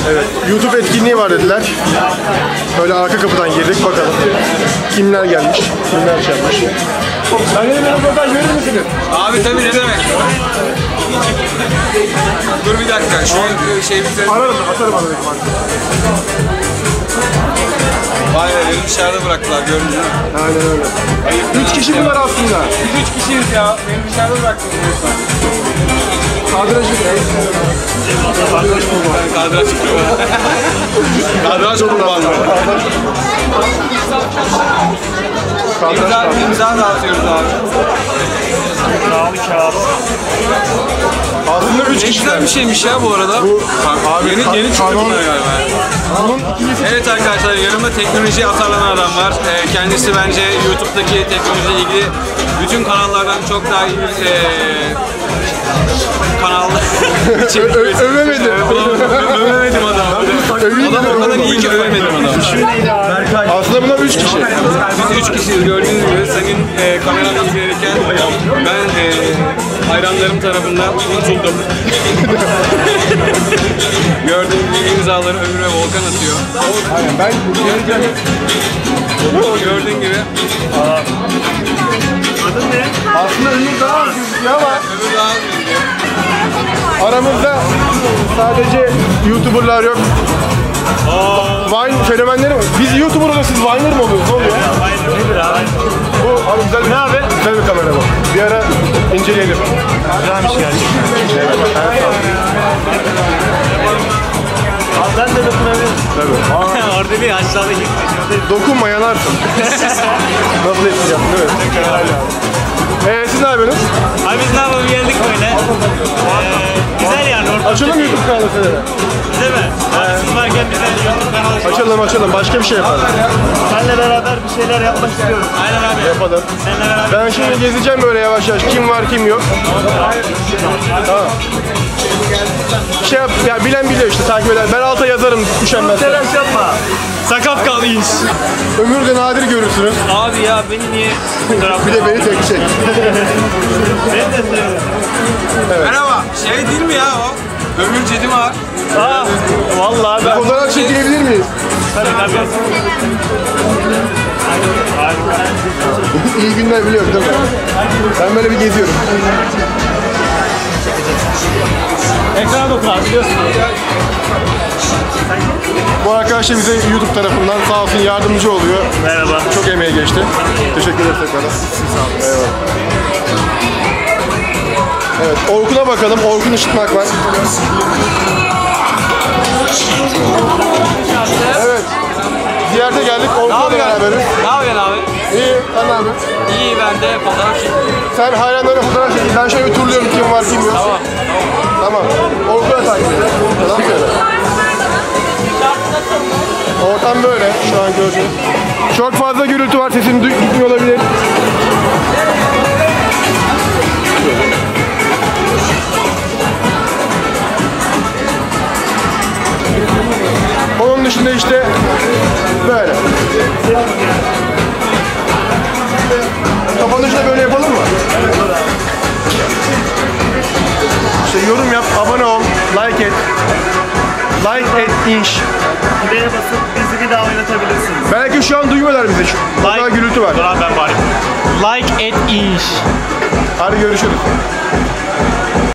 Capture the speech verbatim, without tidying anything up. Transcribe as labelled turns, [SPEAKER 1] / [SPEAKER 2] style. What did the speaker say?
[SPEAKER 1] Evet, YouTube etkinliği var dediler. Böyle arka kapıdan girdik, bakalım kimler gelmiş, kimler çalmış. Ben de bir röportaj verir misiniz?
[SPEAKER 2] Abi tabii, ne demek? Dur bir dakika, şu an şey bize...
[SPEAKER 1] Ararım, atarım ararım.
[SPEAKER 2] Vay be, beni dışarıda bıraktılar, gördünüz mü?
[SPEAKER 1] Aynen öyle. Üç kişi bunlar aslında.
[SPEAKER 2] Biz üç kişiyiz ya, beni dışarıda bıraktınız.
[SPEAKER 1] Kadrajı ne? Kadraj kurbanı.
[SPEAKER 2] Kadraj kurbanı. Kadraj kurbanı. İmza, imza dağıtıyoruz abi.
[SPEAKER 1] Aslında üç
[SPEAKER 2] Ne
[SPEAKER 1] kişiler.
[SPEAKER 2] güzel bir şeymiş ya bu arada. Bu, abi, yeni, yeni çıktı bunlar galiba.
[SPEAKER 1] Bunun ikincisi.
[SPEAKER 2] Evet arkadaşlar, yanımda teknolojiye atarlanan adam var. Ee, kendisi bence YouTube'daki teknolojiyle ilgili bütün kanallardan çok daha iyi bir ee, kanal.
[SPEAKER 1] Övemedim.
[SPEAKER 2] Övemedim adamı. Adam o kadar iyi ki övemedim adamı.
[SPEAKER 1] Aslında bunlar üç kişi.
[SPEAKER 2] Biz üç kişiyiz, gördüğünüz gibi. Sayın e, kamerayla ilgilenirken ben e, hayranlarım tarafından unutuldum. Gördüğünüz gibi imzaları Ömür ve Volkan atıyor.
[SPEAKER 1] Aynen, ben
[SPEAKER 2] Gördüğün gibi.
[SPEAKER 3] Adın ne?
[SPEAKER 1] aslında Ömür daha az gözüküyor ama
[SPEAKER 2] Ömür daha iyi.
[SPEAKER 1] aramızda sadece YouTuber'lar yok. Vine fenomenleri mi? Biz YouTuber oluyoruz, siz Vine'ler mı oluyoruz? Ne oluyor?
[SPEAKER 3] Nedir abi?
[SPEAKER 1] Bu abi güzel bir, ne abi? Güzel bir kamera bu. Bir ara inceleyelim.
[SPEAKER 3] Güzelmiş gerçekten. Abi ben de dokunabilirim.
[SPEAKER 1] Tabii.
[SPEAKER 3] Orada değil, aşağıdaki.
[SPEAKER 1] Dokunma, yanarsın. Nasıl yapacağım değil mi? Eee siz ne yapıyorsunuz?
[SPEAKER 3] Abi biz ne yapalım, geldik böyle. Ee, güzel yani orada.
[SPEAKER 1] Açalım YouTube kanalı size.
[SPEAKER 3] Değil mi? Abi siz varken bize YouTube kanalı açalım.
[SPEAKER 1] Açalım açalım, başka bir şey yapalım.
[SPEAKER 3] Seninle beraber bir şeyler yapmak istiyorum. Aynen abi.
[SPEAKER 1] Yapalım.
[SPEAKER 3] Seninle beraber.
[SPEAKER 1] Ben şimdi gezeceğim böyle yavaş yavaş. Kim var kim yok. Tamam. Şey yap, ya bilen biliyor işte, takip eder. Ben alta yazarım üşenmezsen.
[SPEAKER 3] Telaş yapma. Sakat kalıyız.
[SPEAKER 1] Ömür de nadir görürsünüz.
[SPEAKER 3] Abi ya beni niye fotoğraf
[SPEAKER 1] Bir de beni tek çek.
[SPEAKER 3] Ben de seviyorum.
[SPEAKER 2] Merhaba. Şey değil mi ya o? Ömür Cedim var.
[SPEAKER 3] Aa, vallahi ben.
[SPEAKER 1] Fotoğraf çekilebilir miyiz?
[SPEAKER 3] Tabii tabii.
[SPEAKER 1] İyi günler biliyorum değil mi? Ben böyle bir geziyorum.
[SPEAKER 3] Ekrana dokun abi, biliyorsun.
[SPEAKER 1] Bu arkadaş da bize YouTube tarafından sağ olsun yardımcı oluyor.
[SPEAKER 3] Merhaba.
[SPEAKER 1] Çok emeği geçti. Teşekkür ederiz tekrardan. Eyvallah. Evet, Orkun'a bakalım. Orkun Işıtmak var. Evet. Ziyarete geldik. Orkun'la beraberiz.
[SPEAKER 2] Ne yapıyorsun abi?
[SPEAKER 1] İyi, sen ne yapıyorsun?
[SPEAKER 2] İyi, ben de fotoğraf çekiyorum.
[SPEAKER 1] Sen hayranlara fotoğraf çekin. Ben şöyle bir turluyorum, kim var kim yok.
[SPEAKER 2] Tamam.
[SPEAKER 1] Tamam. Orkun'a takip edelim. Tamam böyle. Ortam böyle şu an gördüğünüz. Çok fazla gürültü var, sesim gitmiyor olabilir. Onun dışında işte böyle. Kapanışı da böyle yapalım mı? İşte yorum yap, abone ol, like et. Like et inş.
[SPEAKER 3] Buraya basıp bizi bir daha oynatabilirsiniz.
[SPEAKER 1] Belki şu an duymuyorlar bizi. Şu o kadar gürültü var.
[SPEAKER 3] Dur abi ben bari. Like et inş.
[SPEAKER 1] Hadi görüşürüz.